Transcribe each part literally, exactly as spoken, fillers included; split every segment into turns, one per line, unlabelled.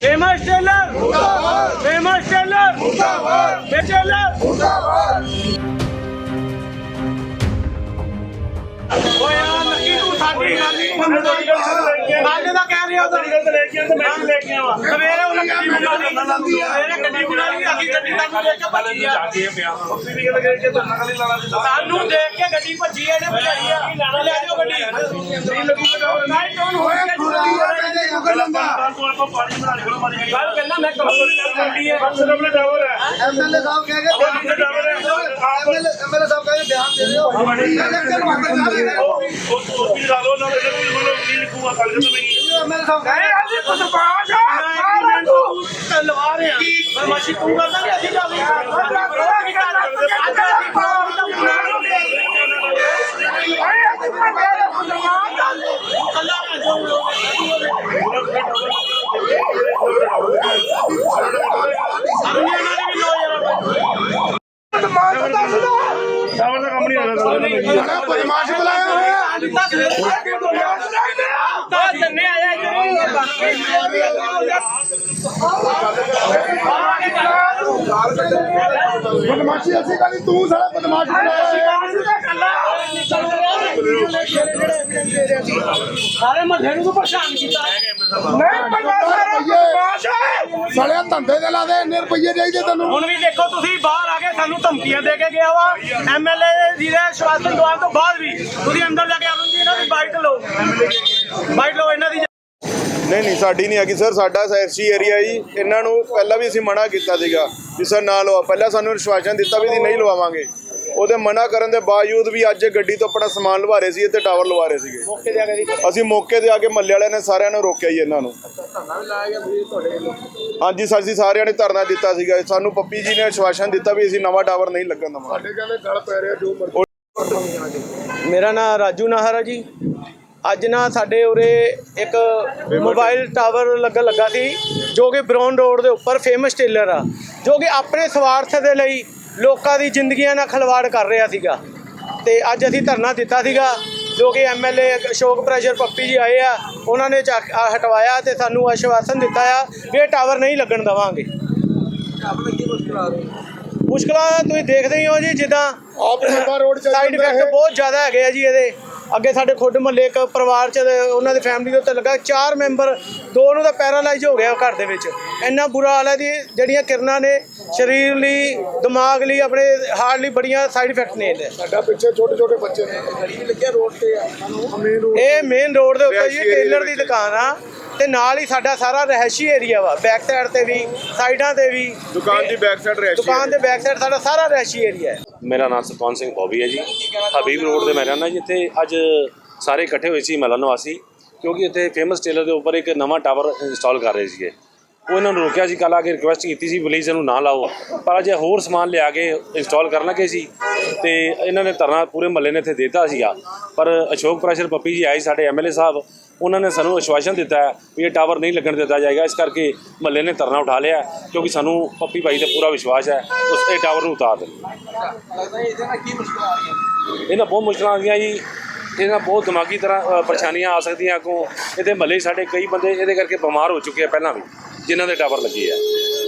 Famous tailor famous tailor tailor ओ यार लकी तू साडी ਗੱਲ ਨਹੀਂ ਅੱਜ ਦਾ ਕਹਿ ਰਿਹਾ ਤਾਂ ਗੱਲ ਲੈ ਕੇ ਆਂਦਾ ਮੈਂ ਲੈ ਕੇ ਆਵਾਂ ਸਵੇਰੇ ਉਹਨਾਂ ਗੱਡੀ ਬੁਲਾ ਲਈ ਸਵੇਰੇ ਗੱਡੀ ਬੁਲਾ ਲਈ ਅਸੀਂ ਗੱਡੀ ਤੱਕ ਲੈ ਕੇ ਭੱਜੀ ਆ ਉੱਥੇ ਵੀ ਗੱਲ ਕਰਕੇ ਤਾਂ ਨਕਲੀ ਲਾਣਾ ਸਾਨੂੰ ਦੇਖ ਕੇ ਗੱਡੀ ਭੱਜੀ ਆ ਇਹਨੇ ਭਜਾਈ ਆ ਲੈ ਜਾਓ ਗੱਡੀ ਨਹੀਂ ਲੱਗੂਗਾ ਨਹੀਂ ਟੋਨ ਹੋਇਆ ਤੂੰ ਪਾਣੀ ਬਣਾ ਲੈ ਮਾਰੀ ਗੱਲ ਕਹਿੰਦਾ ਮੈਂ ਕੰਪਨੀ ਕਰਦੀ ਹੈ ਬਸ ਆਪਣੇ ਡਰਾਈਵਰ ਹੈ ਐਮਐਲਏ ਸਾਹਿਬ ਕਹਿ ਕੇ ਐਮਐਲਏ ਐਮਐਲਏ ਸਾਹਿਬ ਕਹਿ ਕੇ ਬਿਆਨ ਦੇ ਦਿਓ ਉਹ ਵੀ ਲਾ ਲੋ ਨਾ ਮੈਨੂੰ ਕੀ ਲਿਖੂਗਾ ਕੱਲ ਜਦੋਂ ਮੈਂ ਐਮਐਲਏ ਸਾਹਿਬ ਕਹੇ ਅਸੀਂ ਕੁਝ ਬਾਜ ਆ ਲਵਾ ਰਹੇ ਆ ਬਰਮਾਸ਼ੀ ਤੂੰ ਕਰਦਾ ਕਿ ਅਸੀਂ ਜਾਵੇ ਸਾਵਰ ਦਾ ਕੰਮ ਨਹੀਂ ਹੋਣਾ ਬਦਮਾਸ਼ ਬੁਲਾਇਆ ਹੋਇਆ ਤਾਂ ਜੰਨੇ ਆਇਆ
ਬਦਮਾਸ਼ੀ ਅਸੀਂ ਕਹਿੰਦੇ ਤੂੰ ਸਾਲਾ ਬਦਮਾਸ਼
ਸਾਰੇ ਮੱਲੇ ਨੂੰ ਪਰੇਸ਼ਾਨ ਕੀਤਾ
ਸਾਲਿਆ ਧੰਦੇ ਦੇ ਲਾ ਦੇ ਇੰਨੇ ਰੁਪਈਏ ਚਾਹੀਦੇ ਤੈਨੂੰ
ਹੁਣ ਵੀ ਦੇਖੋ ਤੁਸੀਂ ਬਾਹਰ ਆ ਕੇ ਸਾਨੂੰ ਧਮਕੀਆਂ ਦੇ ਕੇ ਗਿਆ ਵਾ ਐਮਐਲਏ ਜੀ ਦੇ ਸ਼ਵਾਸਨ ਦਵਾਨ ਤੋਂ ਬਾਅਦ ਵੀ ਤੁਸੀਂ ਅੰਦਰ ਜਾ ਕੇ ਅਰੁਣ ਜੀ ਇਹਨਾਂ ਦੀ ਬਾਈਟ ਲਓ ਬਾਈਟ ਲਓ ਇਹਨਾਂ ਦੀ
ਨਹੀਂ ਨਹੀਂ ਸਾਡੀ ਨਹੀਂ ਹੈਗੀ ਸਰ ਸਾਡਾ ਐਸਸੀ ਏਰੀਆ ਜੀ ਇਹਨਾਂ ਨੂੰ ਪਹਿਲਾਂ ਵੀ ਅਸੀਂ ਮਨਾ ਕੀਤਾ ਸੀਗਾ ਵੀ ਸਰ ਨਾ ਲਵਾ ਪਹਿਲਾਂ ਸਾਨੂੰ ਵਿਸ਼ਵਾਸਨ ਦਿੱਤਾ ਵੀ ਅਸੀਂ ਨਹੀਂ ਲਵਾਵਾਂਗੇ ਉਹਦੇ ਮਨਾ ਕਰਨ ਦੇ ਬਾਵਜੂਦ ਵੀ ਅੱਜ ਗੱਡੀ ਤੋਂ ਆਪਣਾ ਸਮਾਨ ਲਵਾ ਰਹੇ ਸੀ ਤੇ ਟਾਵਰ ਲਵਾ ਰਹੇ ਸੀਗੇ ਅਸੀਂ ਮੌਕੇ ਤੇ ਆ ਕੇ ਮੱਲੇ ਵਾਲਿਆਂ ਨੇ ਸਾਰਿਆਂ ਨੂੰ ਰੋਕਿਆ ਜੀ ਇਹਨਾਂ ਨੂੰ ਹਾਂਜੀ ਸਰ ਜੀ ਸਾਰਿਆਂ ਨੇ ਧਰਨਾ ਦਿੱਤਾ ਸੀਗਾ ਸਾਨੂੰ ਪੱਪੀ ਜੀ ਨੇ ਵਿਸ਼ਵਾਸਨ ਦਿੱਤਾ ਵੀ ਅਸੀਂ ਨਵਾਂ ਟਾਵਰ ਨਹੀਂ ਲੱਗਣ ਦੇਵਾਂਗੇ
ਸਾਡੇ ਕਹਿੰਦੇ ਗਲ ਪੈ ਰਿਹਾ ਜੋ ਮਰਜ਼ੀ
ਮੇਰਾ ਨਾਮ ਰਾਜੂ ਨਾਹਰ ਹੈ ਜੀ ਅੱਜ ਨਾ ਸਾਡੇ ਉਰੇ ਇੱਕ ਮੋਬਾਈਲ ਟਾਵਰ ਲੱਗਣ ਲੱਗਾ ਸੀ ਜੋ ਕਿ ਬਰੌਨ ਰੋਡ ਦੇ ਉੱਪਰ ਫੇਮਸ ਟੇਲਰ ਆ ਜੋ ਕਿ ਆਪਣੇ ਸਵਾਰਥ ਦੇ ਲਈ ਲੋਕਾਂ ਦੀ ਜ਼ਿੰਦਗੀਆਂ ਨਾਲ ਖਿਲਵਾੜ ਕਰ ਰਿਹਾ ਸੀਗਾ ਤੇ ਅੱਜ ਅਸੀਂ ਧਰਨਾ ਦਿੱਤਾ ਸੀਗਾ ਜੋ ਕਿ ਐਮਐਲਏ ਅਸ਼ੋਕ ਪ੍ਰੈਸ਼ਰ ਪੱਪੀ ਜੀ ਆਏ ਆ ਉਹਨਾਂ ਨੇ ਹਟਵਾਇਆ ਤੇ ਸਾਨੂੰ ਆਸ਼ਵਾਸਨ ਦਿੱਤਾ ਆ ਵੀ ਇਹ ਟਾਵਰ ਨਹੀਂ ਲੱਗਣ ਦੇਵਾਂਗੇ। ਮੁਸ਼ਕਲਾਂ ਤੁਸੀਂ ਦੇਖਦੇ ਹੀ ਹੋ ਜੀ ਜਿੱਦਾਂ ਸਾਈਡ ਇਫੈਕਟ ਬਹੁਤ ਜ਼ਿਆਦਾ ਹੈਗੇ ਆ ਜੀ ਇਹਦੇ ਅੱਗੇ ਸਾਡੇ ਖੁੱਡ ਮਹੱਲੇ ਇੱਕ ਪਰਿਵਾਰ 'ਚ ਉਹਨਾਂ ਦੀ ਫੈਮਿਲੀ ਦੇ ਉੱਤੇ ਲੱਗਾ ਚਾਰ ਮੈਂਬਰ ਦੋ ਨੂੰ ਤਾਂ ਪੈਰਾਲਾਈਜ਼ ਹੋ ਗਿਆ ਘਰ ਦੇ ਵਿੱਚ ਇੰਨਾ ਬੁਰਾ ਹਾਲ ਹੈ ਜੀ ਜਿਹੜੀਆਂ ਕਿਰਨਾਂ ਨੇ ਸਰੀਰ ਲਈ ਦਿਮਾਗ ਲਈ ਆਪਣੇ ਹਾਰਟ ਲਈ ਬੜੀਆਂ ਸਾਈਡ ਇਫੈਕਟ ਨੇ ਇਹਦੇ
ਸਾਡਾ ਪਿੱਛੇ ਛੋਟੇ ਛੋਟੇ ਬੱਚੇ ਨੇ ਗਲੀ ਵੀ ਲੱਗਿਆ ਰੋਡ ਤੇ ਆ
ਇਹ ਮੇਨ ਰੋਡ ਦੇ ਉੱਤੇ ਜੀ ਟੇਲਰ ਦੀ ਦੁਕਾਨ ਆ ਤੇ ਨਾਲ ਹੀ ਸਾਡਾ ਸਾਰਾ ਰਹਿਸ਼ੀ ਏਰੀਆ ਵਾ ਬੈਕ ਸਾਈਡ ਤੇ ਵੀ ਸਾਈਡਾਂ ਤੇ ਵੀ
ਦੁਕਾਨ ਦੀ ਬੈਕ ਸਾਈਡ ਰਹਿਸ਼ੀ
ਦੁਕਾਨ ਦੇ ਬੈਕ ਸਾਈਡ ਸਾਡਾ ਸਾਰਾ ਰਹਿਸ਼ੀ ਏਰੀਆ ਹੈ।
ਮੇਰਾ ਨਾਮ ਸਤਵੰਤ ਸਿੰਘ ਬੋਬੀ ਹੈ ਜੀ ਹਬੀਬ ਰੋਡ ਦੇ ਮੈਂ ਰਹਿੰਦਾ ਜਿੱਥੇ ਅੱਜ ਸਾਰੇ ਇਕੱਠੇ ਹੋਏ ਸੀ ਮਹੱਲਾ ਨਿਵਾਸੀ ਕਿਉਂਕਿ ਇੱਥੇ ਫੇਮਸ ਟੇਲਰ ਦੇ ਉੱਪਰ ਇੱਕ ਨਵਾਂ ਟਾਵਰ ਇੰਸਟਾਲ ਕਰ ਰਹੇ ਸੀਗੇ ਉਹ ਇਹਨਾਂ ਨੂੰ ਰੋਕਿਆ ਸੀ ਕੱਲ੍ਹ ਆ ਕੇ ਰਿਕੁਐਸਟ ਕੀਤੀ ਸੀ ਪਲੀਜ਼ ਇਹਨੂੰ ਨਾ ਲਾਓ ਪਰ ਅਜੇ ਹੋਰ ਸਮਾਨ ਲਿਆ ਕੇ ਇੰਸਟਾਲ ਕਰਨ ਲੱਗੇ ਸੀ ਤੇ ਇਹਨਾਂ ਨੇ ਧਰਨਾ ਪੂਰੇ ਮਹੱਲੇ ਨੇ ਇੱਥੇ ਦੇ ਦਿੱਤਾ ਸੀਗਾ ਪਰ ਅਸ਼ੋਕ ਪ੍ਰੈਸ਼ਰ ਪੱਪੀ ਜੀ ਆਏ ਸਾਡੇ ਐਮਐਲਏ ਸਾਹਿਬ ਉਹਨਾਂ ਨੇ ਸਾਨੂੰ ਆਸ਼ਵਾਸਨ ਦਿੱਤਾ ਵੀ ਇਹ ਟਾਵਰ ਨਹੀਂ ਲੱਗਣ ਦਿੱਤਾ ਜਾਏਗਾ ਇਸ ਕਰਕੇ ਮਹੱਲੇ ਨੇ ਧਰਨਾ ਉਠਾ ਲਿਆ ਕਿਉਂਕਿ ਸਾਨੂੰ ਪੱਪੀ ਭਾਈ ਤੇ ਪੂਰਾ ਵਿਸ਼ਵਾਸ ਹੈ ਉਸ ਇਹ ਟਾਵਰ ਨੂੰ ਉਤਾਰ ਦੇਣ। ਇਹਨਾਂ ਬਹੁਤ ਮੁਸ਼ਕਲਾਂ ਆਉਂਦੀਆਂ ਜੀ ਇਹਨਾਂ ਬਹੁਤ ਦਿਮਾਗੀ ਤਰ੍ਹਾਂ ਪਰੇਸ਼ਾਨੀਆਂ ਆ ਸਕਦੀਆਂ ਅੱਗੋਂ ਇਹਦੇ ਮਹੱਲੇ ਸਾਡੇ ਕਈ ਬੰਦੇ ਇਹਦੇ ਕਰਕੇ ਬਿਮਾਰ ਹੋ ਚੁੱਕੇ ਆ ਪਹਿਲਾਂ ਵੀ ਜਿਨ੍ਹਾਂ ਦੇ ਟਾਵਰ ਲੱਗੇ ਆ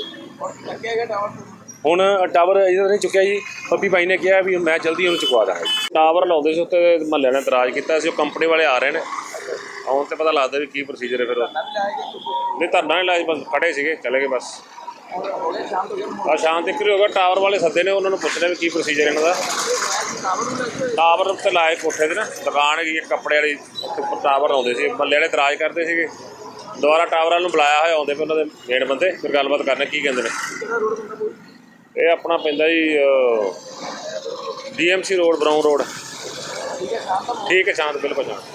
ਹੁਣ ਟਾਵਰ ਇਹਦਾ ਨਹੀਂ ਚੁੱਕਿਆ ਜੀ ਪੱਪੀ ਭਾਈ ਨੇ ਕਿਹਾ ਵੀ ਮੈਂ ਜਲਦੀ ਉਹਨੂੰ ਚੁਕਵਾ ਦਾਂਗਾ ਟਾਵਰ ਲਾਉਂਦੇ ਸੀ ਉੱਤੇ ਮਹੱਲੇ ਨੇ ਇਤਰਾਜ਼ ਕੀਤਾ ਸੀ ਉਹ ਕੰਪਨੀ ਵਾਲੇ ਆ ਰਹੇ ਨੇ ਆਉਣ ਤੇ ਪਤਾ ਲੱਗਦਾ ਵੀ ਕੀ ਪ੍ਰੋਸੀਜਰ ਹੈ ਫਿਰ ਨਹੀਂ ਧਰਨਾ ਨਹੀਂ ਲਾਇਆ ਬਸ ਖੜੇ ਸੀਗੇ ਚਲੇ ਗਏ ਬਸ ਆ ਸ਼ਾਮ ਤੱਕ ਹੀ ਹੋਗਾ ਟਾਵਰ ਵਾਲੇ ਸੱਦੇ ਨੇ ਉਹਨਾਂ ਨੂੰ ਪੁੱਛ ਲਿਆ ਵੀ ਕੀ ਪ੍ਰੋਸੀਜਰ ਇਹਨਾਂ ਦਾ ਟਾਵਰ ਉੱਤੇ ਲਾਏ ਕੋਠੇ 'ਤੇ ਨਾ ਦੁਕਾਨ ਹੈਗੀ ਕੱਪੜੇ ਵਾਲੀ ਉੱਪਰ ਟਾਵਰ ਆਉਂਦੇ ਸੀ ਮਹੱਲੇ ਵਾਲੇ ਇਤਰਾਜ਼ ਕਰਦੇ ਸੀਗੇ ਦੁਬਾਰਾ ਟਾਵਰ ਵਾਲ ਨੂੰ ਬੁਲਾਇਆ ਹੋਇਆ ਆਉਂਦੇ ਪਏ ਉਹਨਾਂ ਦੇ ਮੇਨ ਬੰਦੇ ਫਿਰ ਗੱਲਬਾਤ ਕਰਨਾ ਕੀ ਕਹਿੰਦੇ ਨੇ ਇਹ ਆਪਣਾ ਪੈਂਦਾ ਜੀ ਡੀਐਮਸੀ ਰੋਡ ਬਰਾਊਨ ਰੋਡ ਠੀਕ ਹੈ ਸ਼ਾਂਤ ਬਿਲਕੁਲ ਸ਼ਾਂਤ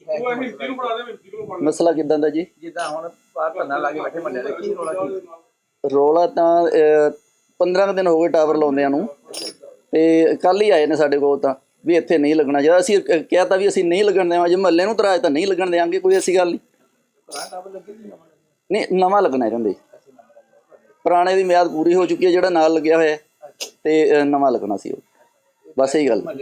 ਮਸਲਾ ਕਿਦਾਂ ਦਾ ਜੀ
ਜਿੱਦਾਂ ਹੁਣ ਬਾਹਰ ਧਰਨਾ ਲਾ ਕੇ ਬੈਠੇ ਮੰਨਿਆ ਦੇ ਕੀ ਰੋਲਾ ਕੀ
ਰੌਲਾ ਤਾਂ ਪੰਦਰਾਂ ਕੁ ਦਿਨ ਹੋ ਗਏ ਟਾਵਰ ਲਾਉਂਦਿਆਂ ਨੂੰ ਤੇ ਕੱਲ ਹੀ ਆਏ ਨੇ ਸਾਡੇ ਕੋਲ ਤਾਂ ਵੀ ਇੱਥੇ ਨਹੀਂ ਲੱਗਣਾ ਚਾਹੀਦਾ ਅਸੀਂ ਕਿਹਾ ਤਾਂ ਵੀ ਅਸੀਂ ਨਹੀਂ ਲੱਗਣ ਦੇਵਾਂਗੇ ਮਹੱਲੇ ਨੂੰ ਤਰਾਜ ਤਾਂ ਨਹੀਂ ਲੱਗਣ ਦੇਵਾਂਗੇ ਕੋਈ ਐਸੀ ਗੱਲ ਨਹੀਂ ਨਹੀਂ ਨਵਾਂ ਲੱਗਣਾ ਕਹਿੰਦੇ ਪੁਰਾਣੇ ਦੀ ਮਿਆਦ ਪੂਰੀ ਹੋ ਚੁੱਕੀ ਹੈ ਜਿਹੜਾ ਨਾਲ ਲੱਗਿਆ ਹੋਇਆ ਤੇ ਨਵਾਂ ਲੱਗਣਾ ਸੀ ਉਹ ਬਸ ਇਹੀ ਗੱਲ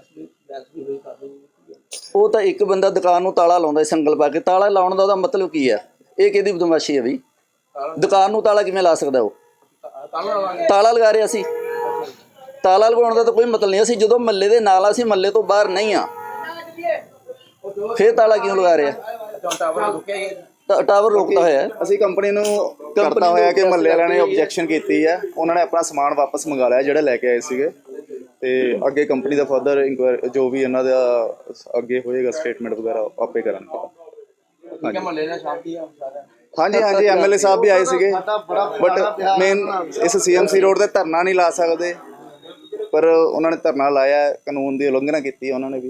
ਉਹ ਤਾਂ ਇੱਕ ਬੰਦਾ ਦੁਕਾਨ ਨੂੰ ਤਾਲਾ ਲਾਉਂਦਾ ਸੰਗਲ ਪਾ ਕੇ ਤਾਲਾ ਲਾਉਣ ਦਾ ਉਹਦਾ ਮਤਲਬ ਕੀ ਹੈ ਇਹ ਕਿਹਦੀ ਬਦਮਾਸ਼ੀ ਹੈ ਬਈ ਦੁਕਾਨ ਨੂੰ ਤਾਲਾ ਕਿਵੇਂ ਲਾ ਸਕਦਾ ਉਹ?
ਤਾਲਾ ਲਾਵਾਂਗੇ।
ਤਾਲਾ ਲਗਾ ਰਿਹਾ ਸੀ। ਤਾਲਾ ਲਗਾਉਣ ਦਾ ਤਾਂ ਕੋਈ ਮਤਲਬ ਨਹੀਂ। ਅਸੀਂ ਜਦੋਂ ਮਹੱਲੇ ਦੇ ਨਾਲ ਆ, ਅਸੀਂ ਮਹੱਲੇ ਤੋਂ ਬਾਹਰ ਨਹੀਂ ਆ, ਫਿਰ ਤਾਲਾ ਕਿਉਂ ਲਗਾ ਰਿਹਾ?
ਅੱਛਾ ਟਾਵਰ ਰੁਕਿਆ ਹੀ ਹੈ।
ਟਾ- ਟਾਵਰ ਰੋਕਦਾ ਹੋਇਆ ਹੈ।
ਅਸੀਂ ਕੰਪਨੀ ਨੂੰ ਕਰਤਾ ਹੋਇਆ ਕਿ ਮਹੱਲੇ ਵਾਲਿਆਂ ਨੇ ਆਬਜੈਕਸ਼ਨ ਕੀਤੀ ਹੈ, ਉਹਨਾਂ ਨੇ ਆਪਣਾ ਸਮਾਨ ਵਾਪਸ ਮੰਗਾ ਲਿਆ ਜਿਹੜਾ ਲੈ ਕੇ ਆਏ ਸੀਗੇ, ਤੇ ਅੱਗੇ ਕੰਪਨੀ ਦਾ ਫਰਦਰ ਇਨਕੁਆਇਰੀ ਜੋ ਵੀ ਇਹਨਾਂ ਦਾ ਅੱਗੇ ਹੋਏਗਾ ਸਟੇਟਮੈਂਟ ਵਗੈਰਾ ਆਪੇ ਕਰਨਗੇ।
ਠੀਕ ਹੈ ਮਹੱਲੇ ਨਾਲ ਸ਼ਾਂਤੀ ਆ ਸਾਰਾ।
ਹਾਂਜੀ ਹਾਂਜੀ ਐਮਐਲਏ ਸਾਹਿਬ ਵੀ ਆਏ ਸੀਗੇ, ਬਟ ਮੇਨ ਇਸ ਸੀਐਮਸੀ ਰੋਡ ਤੇ ਧਰਨਾ ਨਹੀਂ ਲਾ ਸਕਦੇ, ਪਰ ਉਹਨਾਂ ਨੇ ਧਰਨਾ ਲਾਇਆ, ਕਾਨੂੰਨ ਦੀ ਉਲੰਘਣਾ ਕੀਤੀ ਉਹਨਾਂ ਨੇ ਵੀ।